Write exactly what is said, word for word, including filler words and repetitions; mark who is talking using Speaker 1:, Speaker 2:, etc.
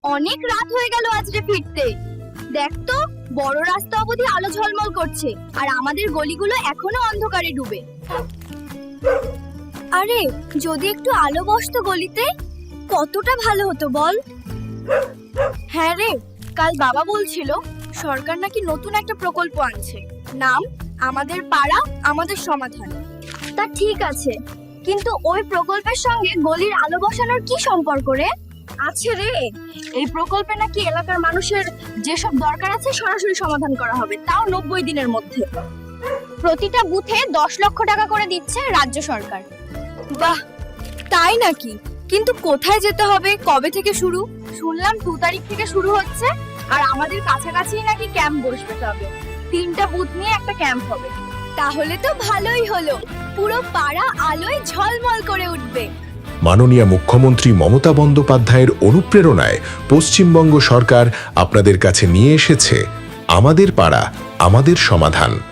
Speaker 1: অনেক রাত হয়ে গেল আজকে ফিরতে। দেখ তো, বড় রাস্তা অবধি আলো ঝলমল করছে, আর আমাদের গলিগুলো এখনো অন্ধকারে ডুবে। আরে যদি একটু আলো বসতো গলিতে, কতটা ভালো হতো বল। হ্যাঁ রে, কাল বাবা বলছিল সরকার নাকি নতুন একটা প্রকল্প আনছে, নাম আমাদের পাড়া আমাদের সমাধান। তা ঠিক আছে, কিন্তু ওই প্রকল্পের সঙ্গে গলির আলো বসানোর কি সম্পর্ক রে? আছে রে, এই প্রকল্পে নাকি এলাকার মানুষের যেসব দরকার আছে সরাসরি সমাধান করা হবে, তাও নব্বই দিনের মধ্যে। প্রতিটা বুথে দশ লক্ষ টাকা করে দিচ্ছে রাজ্য সরকার। বাহ, তাই নাকি? কিন্তু কোথায় যেতে হবে, কবে থেকে শুরু? শুনলাম দু তারিখ থেকে শুরু হচ্ছে, আর আমাদের কাছাকাছি নাকি ক্যাম্প বসবে। তবে তিনটা বুথ নিয়ে একটা ক্যাম্প হবে। তাহলে তো ভালোই হলো, পুরো পাড়া আলোয় ঝলমল করে উঠবে।
Speaker 2: মাননীয় মুখ্যমন্ত্রী মমতা বন্দ্যোপাধ্যায়ের অনুপ্রেরণায় পশ্চিমবঙ্গ সরকার আপনাদের কাছে নিয়ে এসেছে আমাদের পাড়া আমাদের সমাধান।